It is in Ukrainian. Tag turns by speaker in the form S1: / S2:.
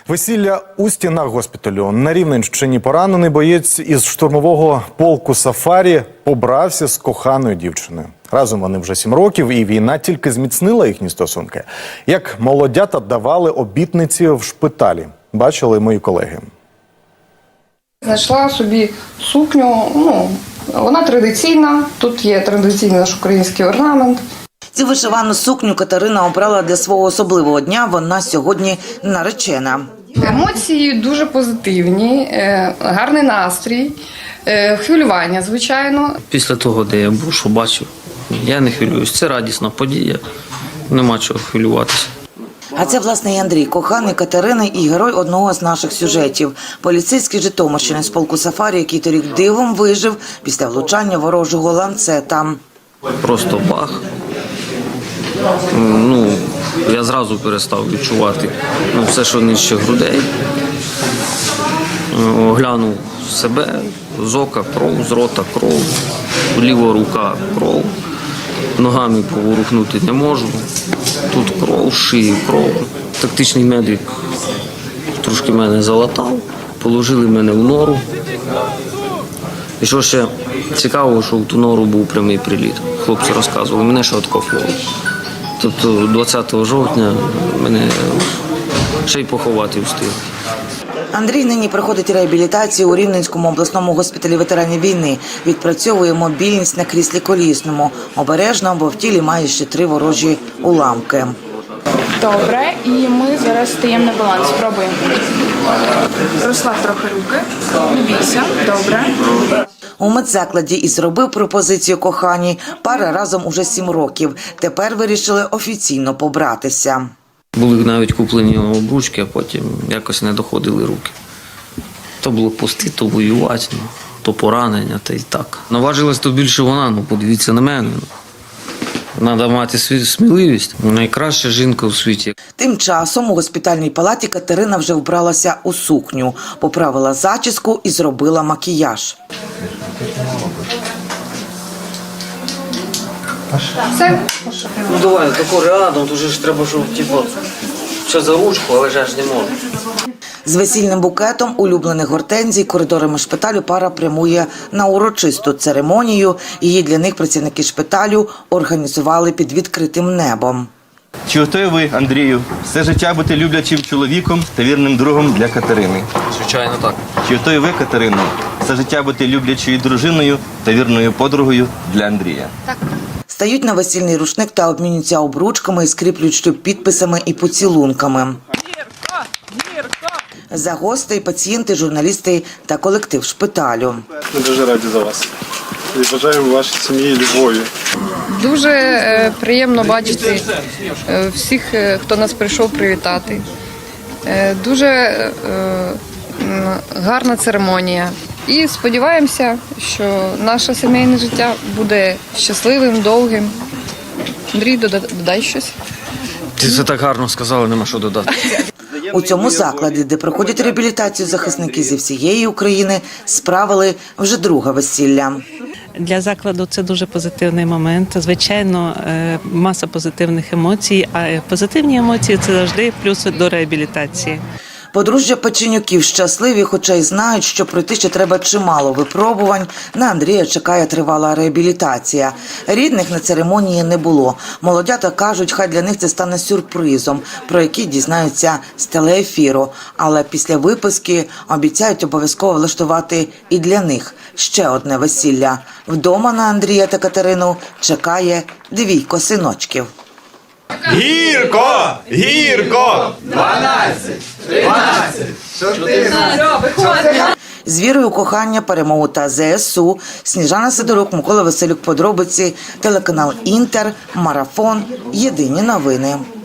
S1: Весілля у стінах госпіталю. На Рівненщині поранений боєць із штурмового полку «Сафарі» побрався з коханою дівчиною. Разом вони вже 7 років, і війна тільки зміцнила їхні стосунки. Як молодята давали обітниці в шпиталі. Бачили мої колеги.
S2: Знайшла собі сукню, вона традиційна, тут є традиційний наш український орнамент.
S3: Цю вишивану сукню Катерина обрала для свого особливого дня, вона сьогодні наречена.
S2: Емоції дуже позитивні, гарний настрій, хвилювання, звичайно.
S4: Після того, де я був, що бачив, я не хвилююсь. Це радісна подія, нема чого хвилюватися.
S3: А це, власне, і Андрій, коханий Катерини і герой одного з наших сюжетів. Поліцейський Житомирщини з полку «Сафарі», який торік дивом вижив після влучання ворожого ланцета. Просто
S4: бах. Я зразу перестав відчувати все, що нижче грудей. Оглянув себе, з ока кров, з рота кров, ліва рука кров, ногами поворухнути не можу, тут кров, шиї кров. Тактичний медик трошки мене залатав, положили мене в нору. І що ще цікаво, що в ту нору був прямий приліт. Хлопці розказували, мене ще откопували. Тобто 20 жовтня мене ще й поховати встиг.
S3: Андрій нині проходить реабілітацію у Рівненському обласному госпіталі ветеранів війни. Відпрацьовує мобільність на кріслі колісному. Обережно, бо в тілі має ще 3 ворожі уламки.
S5: Добре, і ми зараз стаємо на баланс. Спробуємо. Розслаб трохи руки. Не бійся. Добре.
S3: У медзакладі і зробив пропозицію коханій. Пара разом уже 7 років. Тепер вирішили офіційно побратися.
S4: Були навіть куплені обручки, а потім якось не доходили руки. То було пусти, то воювати, то поранення, та й так. Наважилась то більше вона, подивіться на мене. Треба мати сміливість. Найкраща жінка у світі.
S3: Тим часом у госпітальній палаті Катерина вже вбралася у сукню, поправила зачіску і зробила макіяж.
S2: Все.
S4: Давай, тако рядом, тут ж треба, щоб все за ручку, але ж не можу.
S3: З весільним букетом улюблених гортензій коридорами шпиталю пара прямує на урочисту церемонію. Її для них працівники шпиталю організували під відкритим небом.
S6: Чи готові ви, Андрію, все життя бути люблячим чоловіком та вірним другом для Катерини?
S4: Звичайно, так.
S6: Чи готові ви, Катерино, все життя бути люблячою дружиною та вірною подругою для Андрія?
S2: Так.
S3: Стають на весільний рушник та обмінюються обручками, скріплюють шлюб підписами і поцілунками. За гостей, пацієнти, журналісти та колектив шпиталю.
S7: Ми дуже раді за вас. І бажаємо вашій сім'ї любові.
S2: Дуже приємно бачити всіх, хто нас прийшов привітати. Дуже гарна церемонія. І сподіваємося, що наше сімейне життя буде щасливим, довгим. Андрій, додай щось.
S4: Ти це так гарно сказала, нема що додати.
S3: У цьому закладі, де проходять реабілітацію захисники зі всієї України, справили вже друге весілля.
S8: Для закладу це дуже позитивний момент. Звичайно, маса позитивних емоцій, а позитивні емоції – це завжди плюс до реабілітації.
S3: Подружжя Печенюків щасливі, хоча й знають, що пройти ще треба чимало випробувань. На Андрія чекає тривала реабілітація. Рідних на церемонії не було. Молодята кажуть, хай для них це стане сюрпризом, про який дізнаються з телеефіру. Але після виписки обіцяють обов'язково влаштувати і для них ще одне весілля. Вдома на Андрія та Катерину чекає 2 синочків.
S1: Гірко! Гірко! 12! 13! 14!
S3: З вірою у кохання, перемогу та ЗСУ. Сніжана Сидорук, Микола Василюк, подробиці, телеканал Інтер, Марафон, Єдині новини.